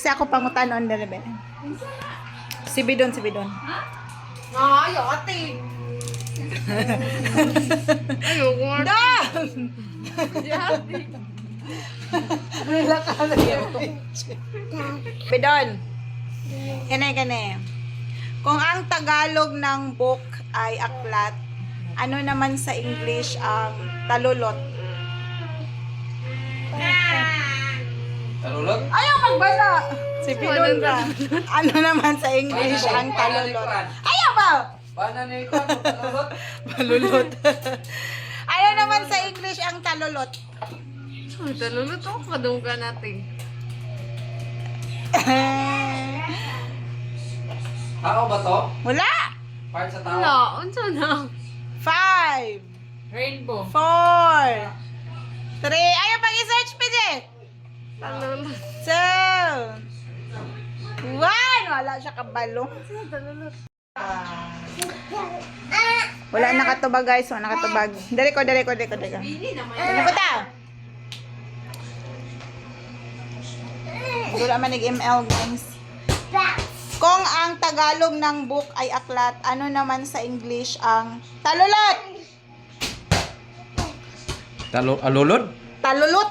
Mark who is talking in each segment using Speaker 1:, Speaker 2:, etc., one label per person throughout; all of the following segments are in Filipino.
Speaker 1: Kasi ako pangutanon dali ba. Si Bidon.
Speaker 2: Ayaw, ate. Ayoko nga.
Speaker 1: Dong! Bidon. Kane. Kung ang Tagalog ng book ay aklat, ano naman sa English ang talulot?
Speaker 3: Talulot?
Speaker 1: Ayaw magbasa! Si Bidon ka. Ano naman sa English ang talulot? Ayaw ba?
Speaker 3: Paano na ikaw? Talulot?
Speaker 1: Talulot. Ano naman sa English ang talulot?
Speaker 2: Ay, talulot ako. Kadungga natin.
Speaker 3: Tao ba to?
Speaker 1: Wala!
Speaker 3: Part sa tao?
Speaker 2: Wala. Unsa na?
Speaker 1: 5,
Speaker 2: Rainbow.
Speaker 1: 4, 3, ayaw pang i-search, PJ!
Speaker 2: Talulot.
Speaker 1: 2, 1, wala siya kabalo.
Speaker 2: Talulot.
Speaker 1: Wala nakatubag guys, wala nakatubag. Dali ko.
Speaker 2: Bini naman.
Speaker 1: Ano ko ta? Wala man nag-ML guys. Kung ang Tagalog ng book ay aklat, ano naman sa English ang talulot?
Speaker 3: Alulod?
Speaker 1: Talulot.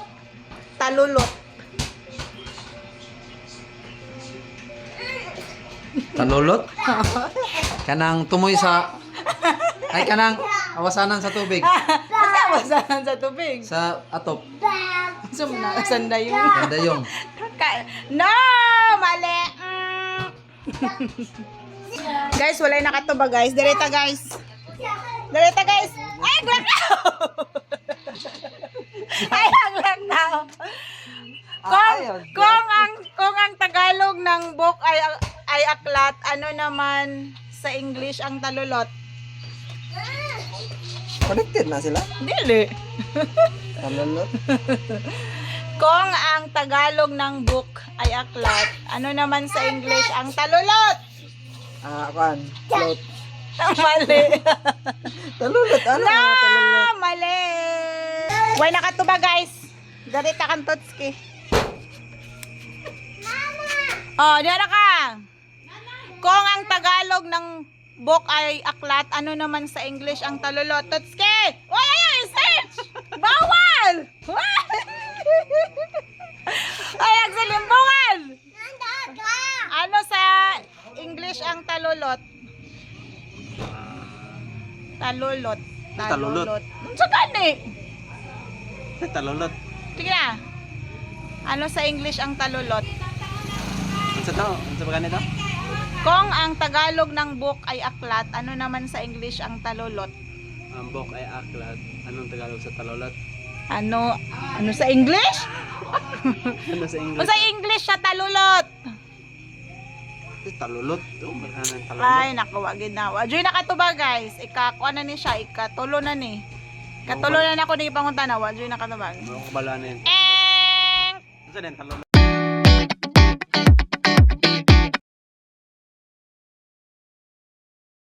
Speaker 3: Talulot? Kanang tumoy sa... Ay, kanang awasanan sa tubig.
Speaker 1: Basta basahan sa tubig.
Speaker 3: Sa atop.
Speaker 1: So, sandayong.
Speaker 3: Dayong.
Speaker 1: No! Mali! Guys, wala yung nakatuba guys. Direta guys. Ay, hanglang na. Kung ang Tagalog ng book ay aklat, ano naman sa English ang talulot?
Speaker 3: Connected na sila?
Speaker 1: Dili.
Speaker 3: Talulot?
Speaker 1: Kung ang Tagalog ng book ay aklat, ano naman sa English ang talulot?
Speaker 3: Float.
Speaker 1: Mali.
Speaker 3: Talulot, ano?
Speaker 1: No, mali. Why nakatuba guys? Darita kang Totski. Oh, diyan ka. Kung ang Tagalog ng book ay aklat, ano naman sa English ang talulot? Totski! Uy, ayaw, search! Bawal! Ay, nagsalimbungan! Ano sa English ang talulot? Talulot. Sa gani?
Speaker 3: Talulot.
Speaker 1: Sige na. Ano sa English ang talulot?
Speaker 3: Sa tao? Sa ganito?
Speaker 1: Kung ang Tagalog ng book ay aklat, ano naman sa English ang talulot?
Speaker 3: Ang book ay aklat. Anong Tagalog sa talulot?
Speaker 1: Ano sa English?
Speaker 3: Ano sa
Speaker 1: O sa English sa talulot?
Speaker 3: Talulot? Marhanang talulot.
Speaker 1: Ay, nakuha ginawa. Diyoy nakatuba guys. Ikakuha na ni siya. Ikatulo na ni. Katulo na ako ni ipangunta na. Diyoy nakatuba.
Speaker 3: Ano ko bala na yun?
Speaker 1: Eng!
Speaker 3: Ano sa din talulot?